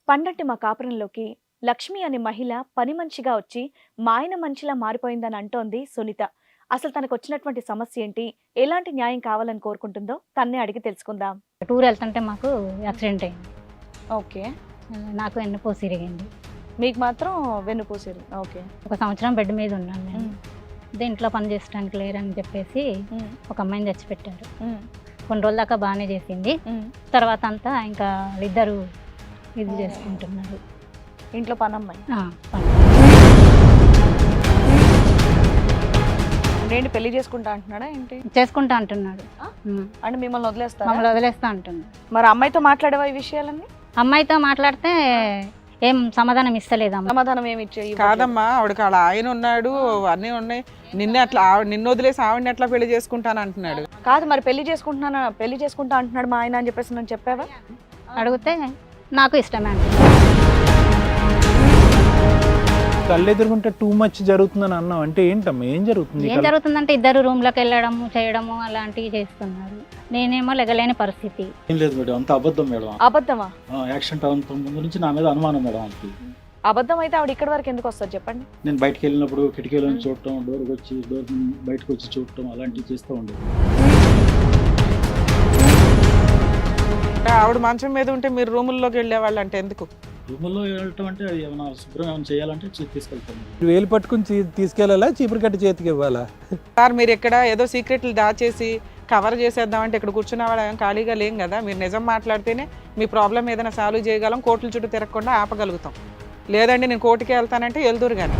పండంటి మా కాపురంలోకి లక్ష్మి అనే మహిళ పని మనిషిగా వచ్చి మా ఆయన మనిషిలా మారిపోయిందని అంటోంది సునీత. అసలు తనకు వచ్చినటువంటి సమస్య ఏంటి, ఎలాంటి న్యాయం కావాలని కోరుకుంటుందో తన్నే అడిగి తెలుసుకుందాం. టూర్ వెళ్తుంటే మాకు యాక్సిడెంట్ అయింది. ఓకే, నాకు వెన్నుపూస ఇరిగింది. మీకు మాత్రం వెన్నుపూసేది. ఓకే, 1 సంవత్సరం బెడ్ మీద ఉన్నాను నేను. ఇంట్లో పని చేసడానికి లేరని చెప్పేసి ఒక అమ్మాయిని తెచ్చిపెట్టారు. కొన్ని రోజుల దాకా బాగానే చేసింది. తర్వాత అంతా ఇంకా వాళ్ళిద్దరు ఇది చేసుకుంటున్నారు. ఇంట్లో పనమ్మాయి ఏంటి, పెళ్లి చేసుకుంటా అంటున్నాడా ఏంటి? చేసుకుంటా అంటున్నాడు. అంటే మిమ్మల్ని వదిలేస్తా అంటున్నాడు. మరి అమ్మాయితో మాట్లాడేవా ఈ విషయాలన్నీ? అమ్మాయితో మాట్లాడితే ఏం సమాధానం ఇస్తలేదమ్మా. సమాధానం ఏమి ఇచ్చే కాదమ్మా, ఆవిడకి వాళ్ళ ఆయన ఉన్నాడు, అన్నీ ఉన్నాయి. నిన్ను వదిలేసి ఆవిడని ఎట్లా పెళ్లి చేసుకుంటాను అంటున్నాడు. కాదు, మరి పెళ్లి చేసుకుంటా అంటున్నాడు మా ఆయన అని చెప్పేసి నేను చెప్పావా? అడిగితే నాకు ఇష్టమే అంటే కళ్ళు ఎదురుకుంటే టూ మచ్ జరుగుతుందని అన్నావు అంటే ఏంటమ్మా, ఏం జరుగుతుంది? ఏం జరుగుతుందంటే ఇద్దరు రూమ్లోకి వెళ్ళడము చేయడము అలాంటివి చేస్తున్నారు. నేనేమో లెగలేని పరిస్థితి. ఏం లేదు మేడం, అంత అబద్ధం మేడం. అబద్ధమా? యాక్సిడెంట్ అవ్వక ముందు నుంచి నా మీద అనుమానం మేడం. అంతే. అబద్ధం అయితే ఆవిడ ఇక్కడి వరకు ఎందుకు వస్తుంది చెప్పండి? నేను బయటకు వెళ్ళినప్పుడు కిటికీలో చూడటం, డోర్ బయటకు వచ్చి చూడటం అలాంటివి చేస్తూ ఉండేది. ఆవిడ మంచం మీద ఉంటే మీరు రూముల్లోకి వెళ్ళేవాళ్ళు అంటే ఎందుకు? రూముల్లో వెళ్ళటం అంటే ఏమైనా శుభ్రం ఏమైనా చేయాలంటే తీసుకెళ్తాను. వేలు పట్టుకుని తీసుకెళ్ళాలా, చీపురు కట్టి చేతికి ఇవ్వాలా? సార్ మీరు ఇక్కడ ఏదో సీక్రెట్లు దాచేసి కవర్ చేసేద్దామంటే ఇక్కడ కూర్చున్నవాడు ఖాళీగా లేం కదా. మీరు నిజం మాట్లాడితేనే మీ ప్రాబ్లం ఏదైనా సాల్వ్ చేయగలం, కోర్టుల చుట్టూ తిరగకుండా ఆపగలుగుతాం. లేదండి నేను కోర్టుకి వెళ్తానంటే వెళ్దురు కానీ.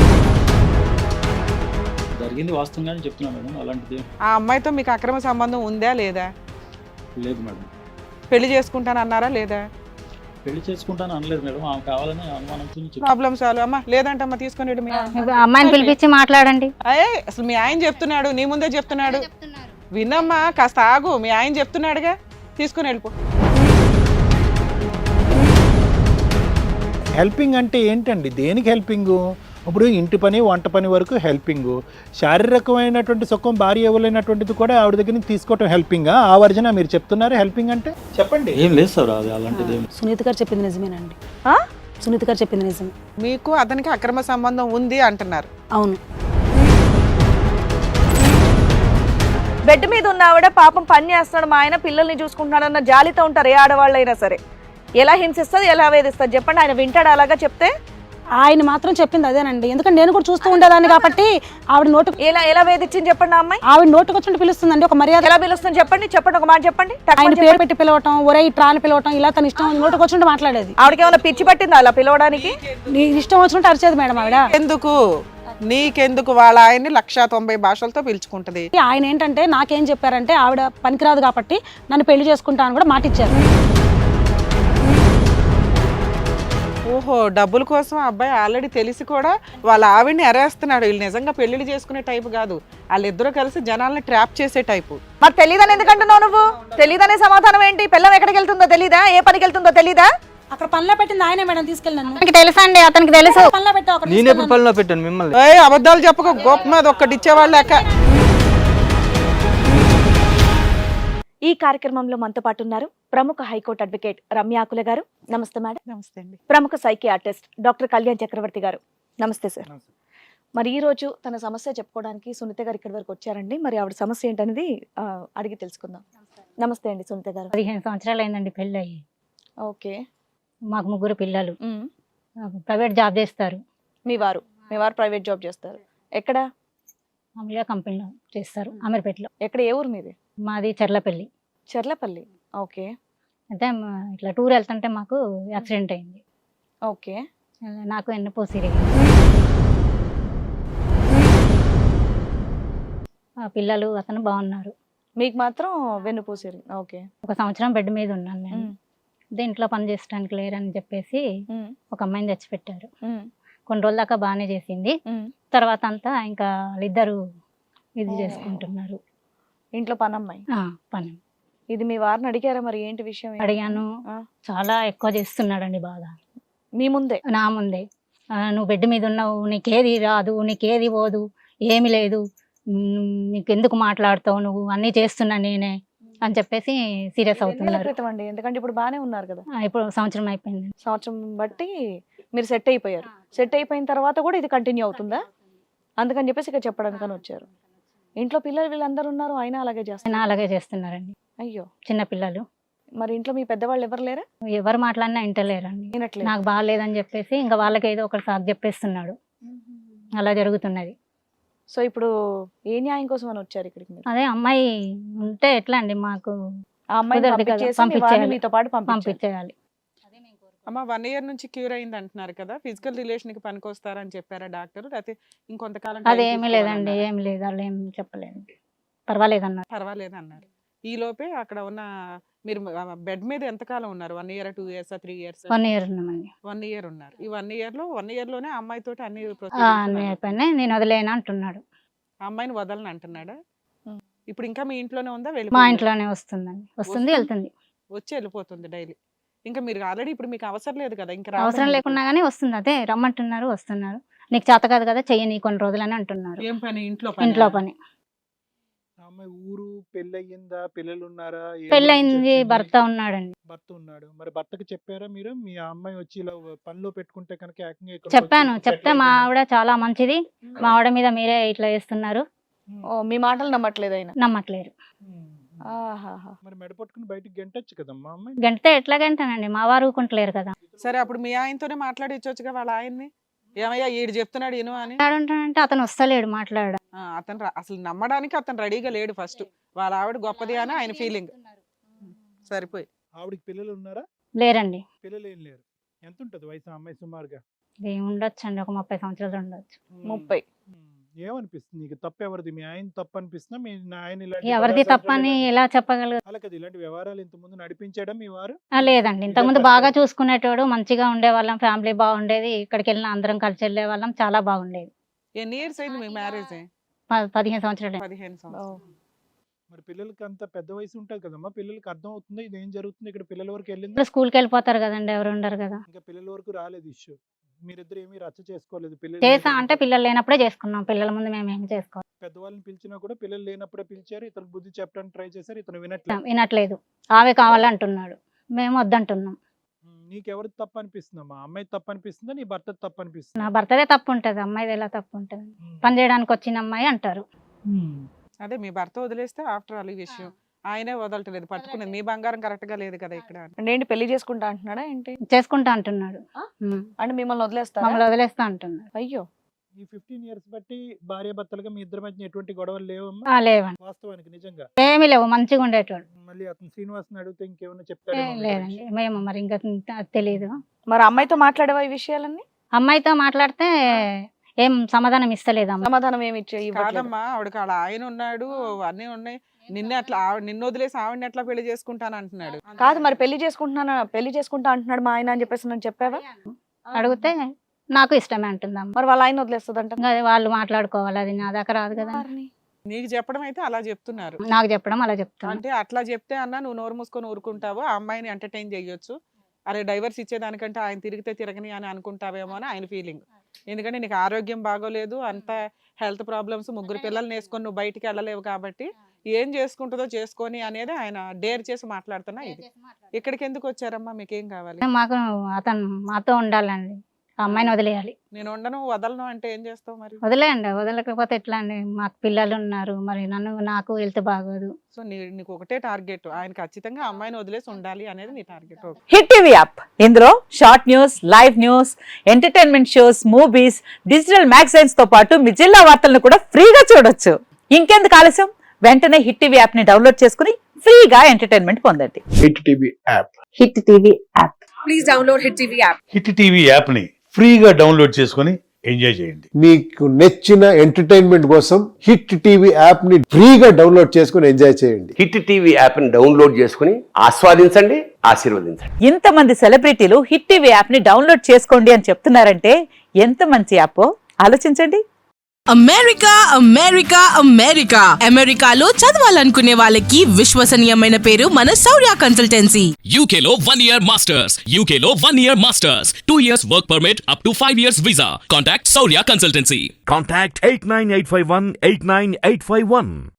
జరిగింది వాస్తవంగానే చెప్తున్నాను మేడం. అలాంటిది ఆ అమ్మాయితో మీకు అక్రమ సంబంధం ఉందా లేదా? లేదు మేడం. పెళ్లి చేసుకుంటాను అన్నారా లేదా? పెళ్లి చేసుకుంటాను అనలేదు మేడం. ఆమె కావాలని అనుమానంతో ప్రాబ్లం సాల్వ్. అమ్మా లేదంటే అమ్మ తీసుకొని వెళ్ళి మీ అమ్మాయిని పిలిపించి మాట్లాడండి. అసలు మీ ఆయన చెప్తున్నాడు, నీ ముందే చెప్తున్నాడు. వినమ్మా, కాస్త ఆగు. మీ ఆయన చెప్తున్నాడుగా, తీసుకుని వెళ్ళిపో. హెల్పింగ్ అంటే ఏంటండి, దేనికి హెల్పింగు? ఇప్పుడు ఇంటి పని వంట పని వరకు హెల్పింగు, శారీరకమైనటువంటి సుఖం భార్య ఇవ్వలేనటువంటిది కూడా ఆవిడ దగ్గర నుంచి తీసుకోవటం హెల్పింగా? ఆ వర్జన మీరు చెప్తున్నారు హెల్పింగ్ అంటే? చెప్పండి. ఏం లేదు సార్, అది అలాంటిది. సునీత గారు చెప్పింది నిజమేనండి. సునీత గారు చెప్పింది నిజమే. మీకు అతనికి అక్రమ సంబంధం ఉంది అంటున్నారు. అవును. బెడ్ మీద ఉన్న ఆవిడ పాపం పని చేస్తున్నాడు, మా ఆయన పిల్లల్ని చూసుకుంటున్నాడు అన్న జాలితో ఉంటారు ఏ ఆడవాళ్ళైనా సరే. ఎలా హింసిస్తుంది, ఎలా వేధిస్తుంది చెప్పండి? ఆయన వింటాడు అలాగా చెప్తే? ఆయన మాత్రం చెప్పింది అదేనండి. ఎందుకంటే నేను కూడా చూస్తూ ఉండేదాన్ని కాబట్టి ఆవిడ నోటు ఎలా వేధించింది చెప్పండి? ఆ అమ్మాయి ఆవిడ నోటుకు వచ్చి పిలుస్తుందండి. ఒక మర్యాద ఎలా పిలుస్తుంది చెప్పండి? ఒక మాట చెప్పండి. ఆయన పేరు పెట్టి పిలవటం, ఒరే ఇట్రా అని పిలవటం, ఇలా తన ఇష్టం నోటుకు వచ్చి మాట్లాడేది. ఆవిడకి ఏమైనా పిచ్చి పట్టిందా అలా పిలవడానికి? నీ ఇష్టం వచ్చినట్టు అరిచేది మేడం ఆవిడ. ఎందుకు నీకెందుకు? వాళ్ళ ఆయన్ని 190 భాషలతో పిలుచుకుంటది. ఆయన ఏంటంటే నాకేం చెప్పారంటే ఆవిడ పనికిరాదు కాబట్టి నన్ను పెళ్లి చేసుకుంటానని కూడా మాట ఇచ్చారు. ఓహో, డబ్బుల కోసం అబ్బాయి ఆల్రెడీ తెలిసి కూడా వాళ్ళ ఆవిడ్ని అరేస్తున్నాడు. వీళ్ళు నిజంగా పెళ్లిళ్ళు చేసుకునే టైపు కాదు, వాళ్ళిద్దరూ కలిసి జనాల్ని ట్రాప్ చేసే టైపు. మరి తెలీదని ఎందుకంటున్నావు నువ్వు? తెలీదనే సమాధానం ఏంటి? పిల్లం ఎక్కడికి వెళ్తుందో తెలీదా? ఏ పనికి వెళ్తుందో తెలీదా? అక్కడ పనిలో పెట్టింది ఆయనే మేడం, తీసుకెళ్ళి నన్ను. అతనికి తెలుసండి, అతనికి తెలుసు. పనిలో పెట్టావు. నేను ఎప్పుడు పనిలో పెట్టాను మిమ్మల్ని? అబద్ధాలు చెప్పక గొప్ప మీద ఒక్కటి ఇచ్చేవాళ్ళు లెక్క. ఈ కార్యక్రమంలో మనతో పాటు ఉన్నారు ప్రముఖ హైకోర్టు అడ్వకేట్ రమ్య ఆకుల గారు. నమస్తే మేడం. నమస్తే అండి. ప్రముఖ సైకియాట్రిస్ట్ డాక్టర్ కళ్యాణ్ చక్రవర్తి గారు. నమస్తే సార్. మరి ఈ రోజు తన సమస్య చెప్పుకోవడానికి సునీత గారు ఇక్కడి వరకు వచ్చారండి. మరి ఆవిడ సమస్య ఏంటనేది అడిగి తెలుసుకుందాం. నమస్తే అండి సునీత గారు. 15 సంవత్సరాలు అయిందండి పెళ్ళి అయ్యి. ఓకే. మాకు 3 పిల్లలు. ప్రైవేట్ జాబ్ చేస్తారు. మీ వారు ప్రైవేట్ జాబ్ చేస్తారు. ఎక్కడ? మామూలుగా కంపెనీలో చేస్తారు, అమీర్పేటలో. ఎక్కడ? ఏ ఊరు మీది? మాది చెర్లపల్లి. చెర్లపల్లి. ఓకే. అయితే ఇట్లా టూర్ వెళ్తుంటే మాకు యాక్సిడెంట్ అయింది. ఓకే. నాకు వెన్నుపూస ఇరిగింది. పిల్లలు అతను బాగున్నారు. మీకు మాత్రం వెన్నుపూసేది. ఓకే. 1 సంవత్సరం బెడ్ మీద ఉన్నాను నేను. ఇంట్లో పని చేసడానికి లేరని చెప్పేసి ఒక అమ్మాయిని తెచ్చిపెట్టారు. కొన్ని రోజుల దాకా బాగానే చేసింది. తర్వాత అంతా ఇంకా వాళ్ళిద్దరు ఇది చేసుకుంటున్నారు. ఇంట్లో పనమ్మాయి. పని. ఇది మీ వారిని అడిగారా మరి ఏంటి విషయం? అడిగాను. చాలా ఎక్కువ చేస్తున్నాడండి బాగా. మీ ముందే? నా ముందే. నువ్వు బెడ్ మీద ఉన్నావు, నీకేది రాదు, నీకేది పోదు, ఏమి లేదు, నీకెందుకు మాట్లాడతావు, నువ్వు అన్నీ చేస్తున్నా నేనే అని చెప్పేసి సీరియస్ ఎన్నేళ్ల అవుతున్నారు. క్రితం అండి? ఎందుకంటే ఇప్పుడు బానే ఉన్నారు కదా, ఇప్పుడు సంవత్సరం అయిపోయింది. సంవత్సరం బట్టి మీరు సెట్ అయిపోయారు. సెట్ అయిపోయిన తర్వాత కూడా ఇది కంటిన్యూ అవుతుందా? అందుకని చెప్పేసి ఇక్కడ చెప్పడానికని వచ్చారు. ఇంట్లో పిల్లలు వీళ్ళందరూ ఉన్నారు, అయినా అలాగే చేస్తారు. ఆయన అలాగే చేస్తున్నారండి. అయ్యో, చిన్న పిల్లలు మరి ఇంట్లో మీ పెద్దవాళ్ళు ఎవరు లేరా? ఎవరు మాట్లాడినా వింటలేరండి. వినట్లేదు. నాకు బాగాలేదని చెప్పేసి ఇంకా వాళ్ళకి ఏదో ఒకటి సాకు చెప్పేస్తున్నాడు. అలా జరుగుతున్నది. సో ఇప్పుడు ఏ న్యాయం కోసం అని వచ్చారు ఇక్కడికి మీరు? అదే అమ్మాయి ఉంటే ఎట్లా అండి, మాకు ఆ అమ్మాయిని కుదరదు కదా, పంపించేసి మీ వారిని పంపించేయాలి. మీతో పాటు పంపించాలి. పంపించేయాలి. అమ్మ 1 year నుంచి క్యూర్ అయింది అంటున్నారు కదా, ఫిజికల్ రిలేషన్ కి పనికొస్తారని చెప్పారా డాక్టర్? లేకపోతే ఇంకొంతకాలం time అదేమీ లేదండి, తీసుకోవాలన్నారా? ఏమి లేదు, వాళ్ళు ఏం చెప్పలేదు. పర్వాలేదన్నారు. పర్వాలేదు అన్నారు. ఈ లోపే అక్కడ ఉన్న మీరు బెడ్ మీద ఎంతకాలం ఉన్నారు? 1 year, 2 years, 3 years? 1 year ఉన్నామండి. 1 year ఉన్నారు. ఈ 1 year లోనే ఆ అమ్మాయితోటి అన్ని అన్నీ procedures అయిపోయినాయి. నేను వదిలేను అంటున్నాడు. ఆ అమ్మాయిని వదలని అంటున్నాడా? ఇప్పుడు ఇంకా మీ ఇంట్లోనే ఉందా? మా వెళ్ళిపోయిందా? ఇంట్లోనే వస్తుందండి, వస్తుంది వెళ్తుంది. వచ్చి వెళ్ళిపోతుంది డైలీ. ఇంకా మీరు ఆల్రెడీ ఇప్పుడు మీకు అవసరం లేదు కదా, ఇంకా అవసరం రావడం లేకున్నా కానీ వస్తుంది. అదే రమ్మంటున్నారు, వస్తున్నారు. నీకు చేత కాదు కదా, చెయ్యని కొన్ని రోజులని అంటున్నారు. ఏం పని? ఇంట్లో ఇంట్లో పని. ఆ అమ్మాయి ఊరు పెళ్ళయిందా, పిల్లలు ఉన్నారా? ఏ పెళ్ళయింది, ఊరు నుంచి వచ్చింది? భర్త ఉన్నాడండి. భర్త ఉన్నాడు. మరి భర్తకి చెప్పారా మీరు? మీ అమ్మాయి వచ్చి ఇలా పనిలో పెట్టుకుంటే కనుక ఏకంగా ఇక్కడికి చెప్పాను, వచ్చి చెప్తే settle మా అయిపోయింది. ఆవిడ చాలా మంచిది, మా ఆవిడ మీద మీరే ఇట్లా చేస్తున్నారు, ఓ, మీ మాటలు నమ్మట్లేదు ఆయన. నమ్మట్లేరు. ఆహాహా. మరి మెడ పట్టుకుని బయటికి గెంటొచ్చు కదమ్మా అమ్మాయి. గంటే ఎట్లా గంటానండి, మా వారు ఊరుకుంటలేరు కదా. సరే అప్పుడు మీ ఆయనతోనే మాట్లాడించవచ్చుగా వాళ్ళ ఆయన్ని. ఏమయ్యా ఈడు చెప్తున్నాడు ఇను అని. ఆడుంటానంటే అతను వస్తలేడు మాట్లాడడం. అతను అసలు నమ్మడానికి అతను రెడీగా లేడు. ఫస్ట్ వాళ్ళ ఆవిడ గొప్పది అని ఆయన ఫీలింగ్. సరిపోయి ఆవిడకి పిల్లలు ఉన్నారా? లేరండి. పిల్లలు ఏం లేరు. ఎంత ఉంటుంది వయసు ఆ అమ్మాయి సుమారుగా? ఉండొచ్చు అండి, ఒక 30 సంవత్సరాలు ఉండొచ్చు. 30. ఏమనిపిస్తుంది నీకు? తప్పు ఎవరిది? మీ ఆయన తప్పు అనిపిస్తుందా? మీ ఆయన ఎవరిది తప్పని ఎలా చెప్పగలరు? అలా కదా, ఇలాంటి వ్యవహారాలు ఇంత ముందు నడిపించడం మీ వారు? లేదండి, ఇంతకుముందు బాగా చూసుకునేటోడు, మంచిగా ఉండేవాళ్ళం, ఫ్యామిలీ బాగుండేది, ఇక్కడికి వెళ్ళిన అందరం కలిసి వెళ్ళే వాళ్ళం, చాలా బాగుండేది. ఎన్ని ఇయర్స్ అయింది మీ మ్యారేజ్? 15 సంవత్సరాలు. 15 సంవత్సరాలు. మరి పిల్లలకి అంత పెద్ద వయసు ఉంటుంది కదమ్మా, పిల్లలకి అర్థం అవుతుంది ఇది ఏం జరుగుతుంది ఇక్కడ, పిల్లల వరకు వెళ్ళింది. ఇప్పుడు స్కూల్కి వెళ్ళిపోతారు కదండి, ఎవరు ఉండరు కదా. ఇంకా పిల్లల వరకు రాలేదు ఇష్యూ. మీరిద్దరు ఏమీ రచ్చ చేసుకోలేదు. చేసా అంటే పిల్లలు లేనప్పుడే చేసుకున్నాం, పిల్లల ముందు మేము ఏమి చేసుకోవాలి. పెద్దవాళ్ళని పిలిచినా కూడా పిల్లలు లేనప్పుడే పిలిచారు. ఇతను బుద్ధి చెప్పడానికి ట్రై చేశారు, ఇతను వినట్లేదు. వినట్లేదు, ఆమె కావాలంటున్నాడు, మేము వద్దంటున్నాం. నీకెవరిది తప్పు అనిపిస్తుందమ్మా? అమ్మాయి తప్పు అనిపిస్తుందా, నీ భర్త తప్పు అనిపిస్తుందా? నా భర్తదే తప్పు ఉంటుంది, అమ్మాయిది ఎలా తప్పు ఉంటుంది? పని చేయడానికి వచ్చిన అమ్మాయి అంటారు. అదే మీ భర్త వదిలేస్తే ఆఫ్టర్ ఆల్ ఈ విషయం ఆయనే వదలట్లేదు, పట్టుకునేది. మీ బంగారం కరెక్ట్ గా లేదు కదా ఇక్కడ. అంటే ఏంటి, పెళ్లి చేసుకుంటా అంటున్నాడా ఏంటి? చేసుకుంటా అంటున్నాడు. అంటే మిమ్మల్ని వదిలేస్తా? మమ్మల్ని వదిలేస్తా అంటున్నాడు. అయ్యో, ఈ 15 years బట్టి భార్య భర్తలుగా మీ ఇద్దరి మధ్య ఎటువంటి గొడవలు లేవమ్మా? లేవండి, వాస్తవానికి నిజంగా ఏమీ లేవు, మంచిగా ఉండేటోడు. మళ్ళీ అతను శ్రీనివాస్ని అడిగితే ఇంకేమైనా ఏ, చెప్తాడు? లేదండి, మేము మరి ఇంకా తెలియదు. మరి అమ్మాయితో మాట్లాడేవా ఈ విషయాలన్నీ? అమ్మాయితో మాట్లాడితే ఏం సమాధానం ఇస్తలేదు అమ్మ. సమాధానం ఏమి ఇవ్వట్లేదు. కాదమ్మా, ఆవిడకి వాళ్ళ ఆయన ఉన్నాడు, అన్నీ ఉన్నాయి. నిన్ను వదిలేసి ఆవిడని ఎట్లా పెళ్లి చేసుకుంటాను అంటున్నాడు. కాదు, మరి పెళ్లి చేసుకుంటా అంటున్నాడు మా ఆయన అని చెప్పేసి నేను చెప్పావా? అడిగితే నాకు ఇష్టమే అంటుందమ్మ. మరి వాళ్ళ ఆయన వదిలేస్తుందంట. ఇంకా అది వాళ్ళు మాట్లాడుకోవాలి, అది నా దాకా రాదు కదా. నీకు చెప్పడం అయితే అలా చెప్తున్నారు. నాకు చెప్పడం అలా చెప్తాను. అంటే అట్లా చెప్తే అన్న నువ్వు నోరు మూసుకొని ఊరుకుంటావు, ఆ అమ్మాయిని ఎంటర్టైన్ చేయొచ్చు. అరే డైవర్స్ ఇచ్చేదానికంటే ఆయన తిరిగితే తిరగని అని అనుకుంటావేమో అని ఆయన ఫీలింగ్. ఎందుకంటే నీకు ఆరోగ్యం బాగోలేదు, అంత హెల్త్ ప్రాబ్లమ్స్, 3 పిల్లల్ని వేసుకొని నువ్వు బయటికి వెళ్ళలేవు కాబట్టి ఏం చేసుకుంటుందో చేసుకొని అనేది ఆయన డేర్ చేసి మాట్లాడుతున్నా. ఇది ఇక్కడికి ఎందుకు వచ్చారమ్మా? మీకేం కావాలి? మాకు అతను మాతో ఉండాలండి, ఆ అమ్మాయిని వదిలేయాలి. నేను ఉండను వదలను అంటే ఏం చేస్తావు మరి? వదిలేయండి, వదలకపోతే ఎట్లా అండి, మాకు పిల్లలు ఉన్నారు, మరి నాకు హెల్త్ బాగోదు. సో నీకు ఒకటే టార్గెట్, ఆయన ఖచ్చితంగా అమ్మాయిని వదిలేసి ఉండాలి అనేది నీ టార్గెట్. హిట్ టీవీ యాప్, ఇందులో short news, live news, entertainment shows, movies, digital magazines తో పాటు మీ జిల్లా వార్తలను కూడా ఫ్రీగా చూడొచ్చు. ఇంకెందుకు ఆలస్యం, వెంటనే హిట్ టీవీ యాప్ ని డౌన్లోడ్ చేసుకుని ఫ్రీగా ఎంటర్టైన్మెంట్ పొందండి. Hit TV app. Hit TV app. Please download hit TV app. Hit TV app ని ఫ్రీగా డౌన్లోడ్ చేసుకొని ఎంజాయ్ చేయండి. మీకు నచ్చిన ఎంటర్టైన్మెంట్ కోసం హిట్ టీవీ యాప్ ని ఫ్రీగా డౌన్లోడ్ చేసుకొని ఎంజాయ్ చేయండి. హిట్ టీవీ యాప్ ని డౌన్లోడ్ చేసుకుని ఆస్వాదించండి, ఆశీర్వదించండి. ఇంతమంది సెలబ్రిటీలు హిట్ టీవీ యాప్ ని డౌన్లోడ్ చేసుకోండి అని చెప్తున్నారంటే ఎంత మంచి యాప్ ఆలోచించండి. అమెరికా అమెరికా అమెరికా అమెరికాలో చదవాలనుకునే వాళ్ళకి విశ్వసనీయమైన పేరు మన శౌర్య కన్సల్టెన్సీ. UK లో 1 year masters. UK లో 1 year masters. 2 years work permit up to 5 years visa. Contact Saurya Consultancy. Contact 89851 89851.